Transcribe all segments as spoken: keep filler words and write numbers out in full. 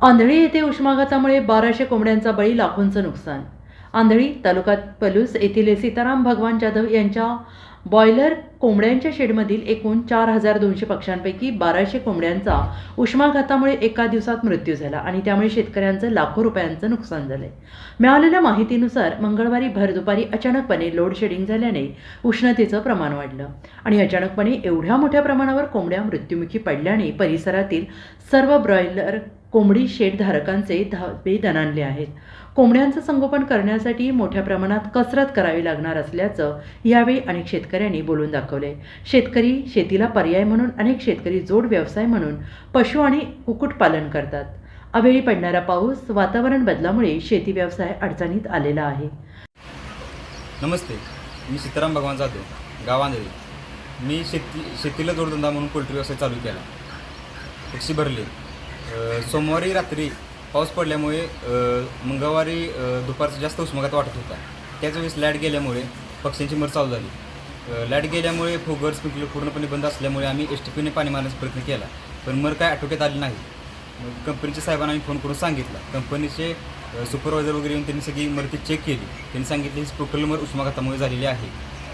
आंधळी येथे उष्माघातामुळे बाराशे कोंबड्यांचा बळी, लाखोंचं नुकसान. आंधळी तालुक्यात पलूस येथील सीताराम भगवान जाधव यांच्या बॉयलर कोंबड्यांच्या शेडमधील एकूण चार हजार दोनशे पक्ष्यांपैकी बाराशे कोंबड्यांचा उष्माघातामुळे एका दिवसात मृत्यू झाला आणि त्यामुळे शेतकऱ्यांचं लाखो रुपयांचं नुकसान झालंय. मिळालेल्या माहितीनुसार मंगळवारी भर दुपारी अचानकपणे लोड शेडिंग झाल्याने उष्णतेचं प्रमाण वाढलं आणि अचानकपणे एवढ्या मोठ्या प्रमाणावर कोंबड्या मृत्युमुखी पडल्याने परिसरातील सर्व ब्रॉयलर कोंबडी शेड धारकांचे धाबे दणाणले आहेत. कोंबड्यांचं संगोपन करण्यासाठी मोठ्या प्रमाणात कसरत करावी लागणार असल्याचं यावेळी अनेक शेतकऱ्यांनी बोलून दाखवले. शेतकरी शेतीला पर्याय म्हणून अनेक शेतकरी जोड व्यवसाय म्हणून पशु आणि कुक्कुटपालन करतात. अवेळी पडणारा पाऊस, वातावरण बदलामुळे शेती व्यवसाय अडचणीत आलेला आहे. नमस्ते, मी सीताराम भगवान जाधव, गाव आंधळी. मी शेती शेतीला जोडधंदा म्हणून पोल्ट्री व्यवसाय चालू केला. पक्षी भरले. सोमवारी रात्री पाऊस पडल्यामुळे मंगळवारी दुपारचा जास्त उष्माघात वाटत होता. त्याच वेळेस लाईट गेल्यामुळे पक्ष्यांची मर चालू झाली. लाईट गेल्यामुळे फोगर स्प्रिंकलर पूर्णपणे बंद असल्यामुळे आम्ही एस टी पीने पाणी मारण्याचा प्रयत्न केला, पण मर काय आटोक्यात आली नाही. कंपनीच्या साहेबांना आम्ही फोन करून सांगितलं. कंपनीचे सुपरवायझर वगैरे येऊन त्यांनी सगळी मरती चेक केली. त्यांनी सांगितले ही टोटल मर उष्माघातामुळे झालेली आहे.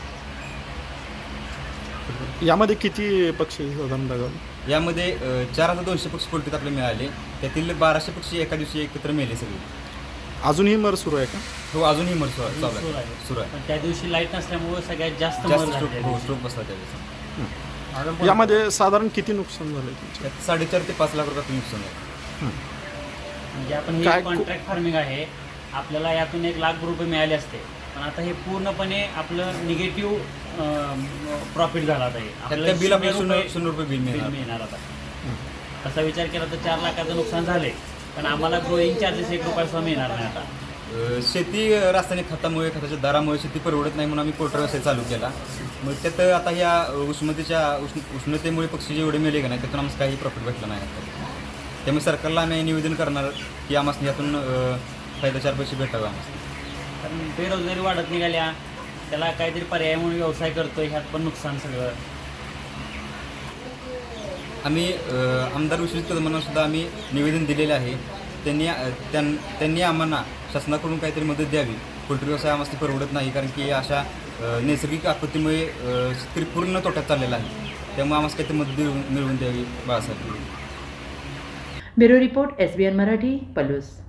यामध्ये किती पक्षी साधारण दगावले? यामध्ये चार हजार दोनशे पक्षी पोल्ट्रीत आपले मिळाले. त्यातील बाराशे पक्षी एका दिवशी एकत्र मेले सगळे. अजूनही मर सुरू आहे का? हो, अजूनही मर सुरू सुरू आहे आहे. सुरू आहे. पण त्या दिवशी लाईट नसल्यामुळे सगळ्यात जास्त जास्त मर स्ट्रोक झाले. हो स्ट्रोक बसला त्यावेळेस. यामध्ये साधारण किती नुकसान झालं तुमचं? त्यात साडेचार ते पाच लाख रुपयाचं नुकसान झालं. म्हणजे आपण हे काय- कॉन्ट्रॅक्ट फार्मिंग आहे, आपल्याला यातून एक लाख रुपये मिळाले असते, पण आता हे पूर्णपणे आपलं निगेटिव्ह प्रॉफिट झाला आता. हे त्यातल्या बिल आपल्याला शून्य शून्य रुपये शून्य रुपये बिल बिल मिळणार. मिळणार आता. तसा विचार केला तर चार लाखाचं नुकसान झाले, पण आम्हाला ग्रोईंग चार्जेस एक रुपया सुद्धा मिळणार नाही आता. अ, शेती रासायनिक खतामुळे खताच्या दरामुळे शेती परवडत नाही म्हणून आम्ही पोल्ट्री व्यवसाय चालू केला. मग त्यात आता ह्या उष्णतेच्या उष्ण उष्णतेमुळे पक्षी जेवढे मेले का नाही त्यातून आम्हाला काही प्रॉफिट भेटला नाही आता. त्यामुळे सरकारला आम्ही निवेदन करणार की आम्हाला यातून फायदा चार पैसे भेटावे आम्हाला. कारण बेरोजगारी वाढत निघाल्या, त्याला काहीतरी पर्याय म्हणून व्यवसाय करतोय, ह्यात पण नुकसान सगळं. आम्ही आमदार विश्वजित कदमांना सुद्धा आम्ही निवेदन दिलेले आहे. त्यांनी त्यां त्यांनी आम्हाला शासनाकडून काहीतरी मदत द्यावी. पोल्ट्री व्यवसाय आम्हाला परवडत नाही, कारण की अशा नैसर्गिक आपत्तीमुळे शेतकरी पूर्ण तोट्यात चाललेला आहे. त्यामुळे आम्हाला काहीतरी मदत मिळवून मिळवून द्यावी Balasaheb. Bureau report, S B N Marathi, Palus.